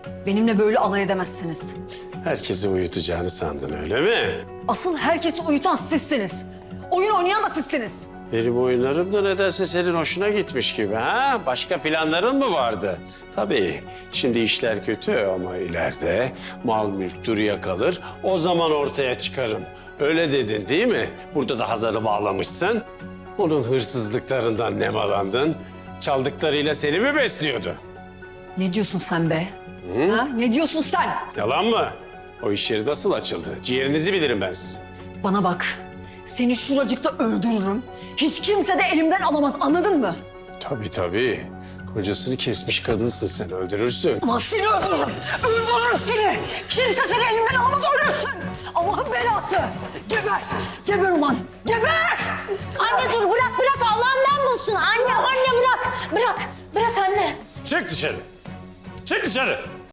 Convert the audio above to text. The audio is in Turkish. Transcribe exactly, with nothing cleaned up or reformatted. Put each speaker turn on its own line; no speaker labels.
Benimle böyle alay edemezsiniz.
Herkesi uyutacağını sandın öyle mi?
Asıl herkesi uyutan sizsiniz. Oyun oynayan da sizsiniz.
Benim oyunlarım da nedense senin hoşuna gitmiş gibi ha? Başka planların mı vardı? Tabii şimdi işler kötü ama ileride mal mülk duruya kalır. O zaman ortaya çıkarım. Öyle dedin değil mi? Burada da Hazar'ı bağlamışsın. Onun hırsızlıklarından nemalandın. Çaldıklarıyla seni mi besliyordu?
Ne diyorsun sen be? Ha? Ne diyorsun sen?
Yalan mı? O iş yeri nasıl açıldı? Ciğerinizi bilirim ben sizin.
Bana bak. Seni şuracıkta öldürürüm. Hiç kimse de elimden alamaz, anladın mı?
Tabii tabii. Kocasını kesmiş kadınsın sen, öldürürsün.
Ulan seni öldürürüm. Öldürürüm seni. Kimse seni elimden alamaz, ölürsün. Allah'ın belası. Geber. Geber ulan. Geber.
Anne dur bırak bırak Allah'ından bulsun. Anne anne bırak. Bırak. Bırak anne.
Çık dışarı. Çık dışarı.